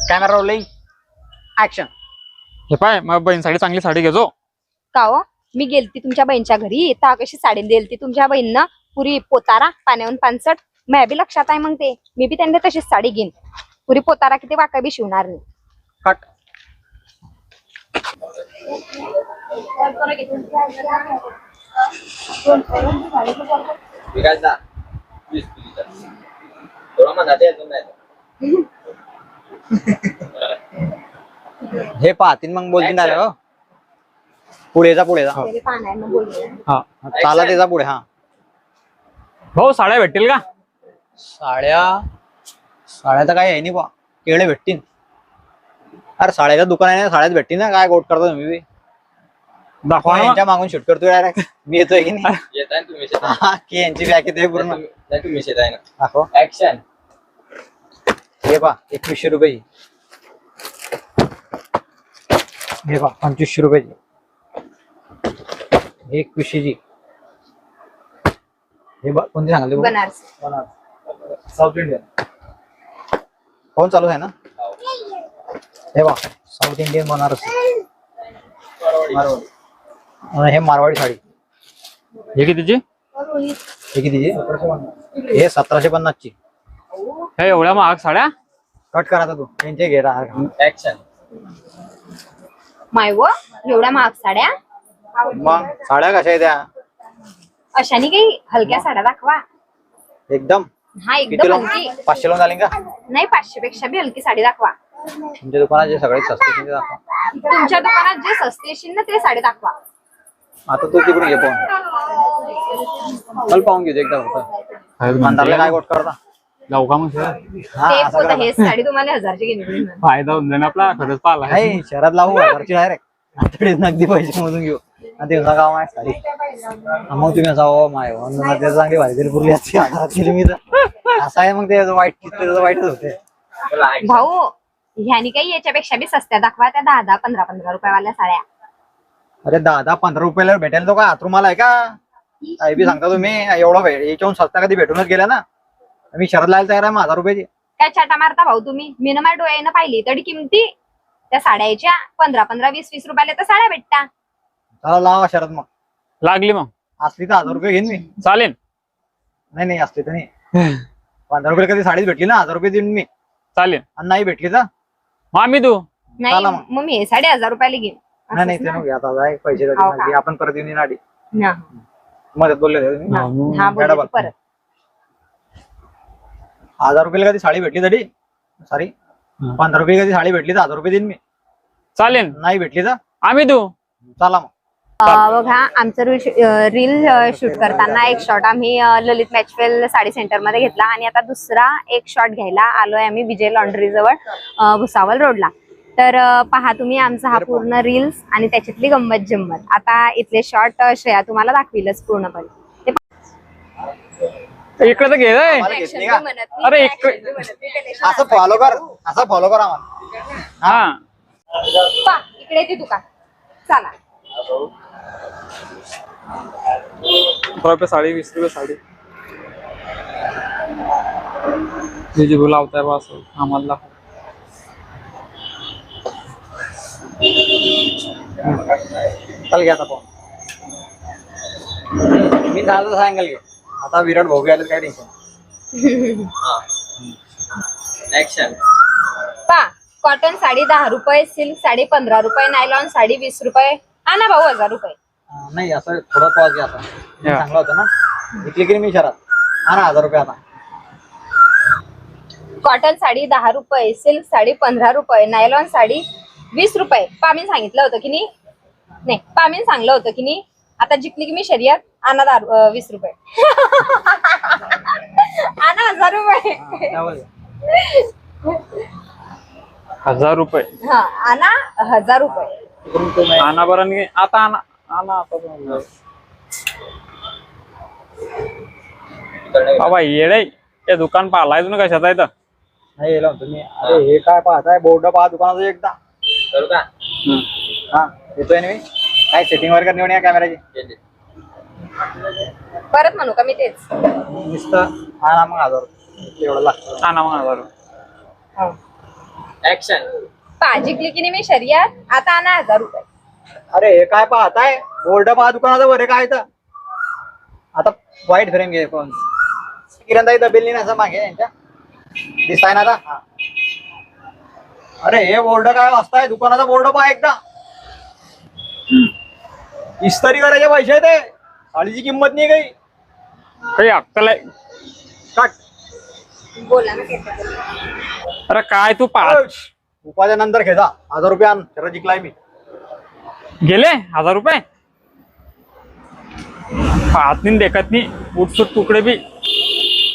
Camera rolling action. हे पाय मग बहीणसाठी चांगली साडी घेजो. का हो मी गेलती तुमच्या बहिणीच्या घरी ता कशी साडी दिलती तुमच्या बहिणीनं पुरी पोतारा पाण्याहून पानसट मॅ बी लक्षात आहे मग ते मी बी त्यांना तशीच साडी घेईन पुरी पोतारा किती वाका बी शिवणार नाही. कट. हे पाहतीन मग बोलतीन आले हो. पुढे जा पुढे जा. तरी पाहणार मग बोलूया. हा चाला ते जा पुढे. हा भाऊ साड्या भेटतील का? साड्या साड्या तर काय आहे नाही बा. केळे भेटतील. अरे साड्याचं दुकान आहे ना साड्याच भेटतील ना. काय गोट करता तुम्ही बी? दाखवा ना. यांच्या मागून शूट करतोय डायरेक्ट. मी येतोय की नाही? येताय ना तुम्ही शेतात. हा की यांची बॅग येते पूर्ण. नाही तुम्ही शेताय ना. दाखव. ऍक्शन. हे पा 2100 रुपये. हे पा 2500 रुपयाची. 2100 ची. हे बा कोणती सांगाल बनारसी साऊथ इंडियन कोण चालू आहे ना. हे बा साऊथ इंडियन बनारसी मारवाडी. हे मारवाडी साडी. हे कितीची? हे कितीची? हे 1750 ची. हे एवढ्या महाग साड्या? कट करा तू त्यांचे घे राहा. ऍक्शन. माय व एवढ्या महाग साड्या मग साड्या कशा आहेत त्या? अशाने काही हलक्या साड्या दाखवा. एकदम हा किती एकदम लोन? हलकी 500 लोन झाली का? नाही 500 पेक्षा बी हलकी साडी दाखवा. तुमच्या दुकानात जे सगळे स्वस्त आहे ते दाखवा. तुमच्या दुकानात जे स्वस्त येशील ना ते साडी दाखवा. आता तू तिकडून घे पाहून. चल पाहून घेऊ एकदा फक्त. मंदारला काय गोट करता? जाऊ का मग? हा, ते असं पोतं करा. हेच साडी तुम्हाला 1000ची घेऊन देईन. फायदा होऊन जाईल आपला. खरंच पाहिला नाही शहरात लावू घरची डायरेक्ट. आठवडे नगदी पैसे मोजून घेऊ. आणि ते गाव आहे साडी. मग तुम्ही असा हो माय ते चांगली भारी दिली पुरली असती. आधारात केली मी तर. असं आहे मग ते वाईटच होते. भाऊ ह्यानी काही याच्यापेक्षा बी सस्त्या दाखवा त्या 10-10, 15-15 रुपयावाल्या साड्या. अरे 10-15 रुपयाला भेटेल तो का हातरुमाला आहे का? काही बी सांगता तुम्ही. एवढं याच्याहून सस्ता कधी भेटूनच गेला ना. मी शहरात लायला तयार आहे 1000 रुपयाची. काय छाटा मारता भाऊ तुम्ही. मी ना माझ्या डोळ्यानं पाहिली तरी किमती त्या साड्याच्या 15-15, 20-20 रुपयाला तर साड्या भेटता. चला लावा शहरात मग. लागली मग असली तर 1000 रुपये घेईन मी. चालेल. नाही असली तर नाही. 15 रुपये कधी साडीच भेटली ना 1000 रुपये देईन मी. चालेल. आणि नाही भेटली तर मग आम्ही तू नाही चला मग. मग मी 1000 रुपयाला घेईन. नाही ते नको आता जाय पैसे हो का? देते. आपण परत येऊन आडी हा, मदत बोलले होते तुम्ही. हा बोलले मॅडम. ते परत. 1000 रुपयाला कधी साडी भेटली तरी सॉरी 15 रुपये कधी साडी भेटली तर 1000 रुपये देईन मी. चालेल. नाही भेटली तर आम्ही तू चला मग. बघा आमचं रील शूट करताना एक शॉट आम्ही ललित मॅचवेल साडी सेंटर मध्ये घेतला आणि आता दुसरा एक शॉट घ्यायला आलोय आम्ही विजय लॉन्ड्री जवळ भुसावळ रोडला. तर पहा तुम्ही आमचा हा पूर्ण रील्स आणि त्याच्यातली गंमत जम्मत. आता इथले शॉट श्रेया तुम्हाला दाखविलच पूर्णपणे. इकडे तर घे रे. मला घेतली का? अरे एक असं फॉलो कर आम्हाला. हा पहा, इकडे येते दुकान चला. ₹15 साडी, ₹20 साडी. हे जे लावताय बा असं आम्हाला दाखव. चल घ्या आता पाहून. मी झालं सांगाल घे. आता विराट भाऊ घ्यायला काय टेन्शन. ऍक्शन. पहा कॉटन साडी 10 रुपये, सिल्क साडी 15 रुपये, नायलॉन साडी 20 रुपये. आणा भाऊ 1000 रुपये. नाही असं थोडं पॉज घ्या आता. चांगलं होतं ना इथली की मी शहरात. हा ना 1000 रुपये आता. कॉटन साडी 10 रुपये, सिल्क साडी 15 रुपये, नायलॉन साडी 20 रुपये. पामीन सांगितलं होतं की नाही पामीन सांगलं होतं की नाही. आता जिंकली की मी शर्यत. आणा 20 रुपये. आणा 1000 रुपये. ₹1000. हा आणा 1000 रुपये. आणा बरं नाही आता आणा आता बाबा येडे. ते दुकान पाहिलाय तुम्ही कशाचा आहे तर. नाही येलं म्हणतो मी. अरे हे काय पाहताय बोर्ड पहा दुकानाचं एकदा. करू का? हा येतोय ना मी. काय सेटिंग वगैरे करणे या कॅमेराची. परत म्हणू का मी तेच. नुसतं हा ना मग 1000 रुपये एवढं लागतं. आणा मग 1000. ऍक्शन. जिंकली की नाही मी शर्यत, आता आणा 1000 रुपये. अरे हे काय पाहताय, बोर्ड पहा दुकानाचं बरे काय तर. आता वाईट फ्रेम घे फोन. किरणताई दबेल नाही असं मागे यांच्या दिसताय ना आता. हा. अरे हे बोर्ड काय वाजताय, दुकानाचा बोर्ड पहा एकदा. इस्त्री करायचे पैसे ते, साडीची किंमत नाही काही. काही अक्कल आहे? काट. बोला ना. अरे काय तू पाच उपाध्या नंतर घेजा, 1000 रुपये आण, त्याला जिंकलाय मी. गेले 1000 रुपये? हात नाही देखत नाही, उठसूट तुकडे बी.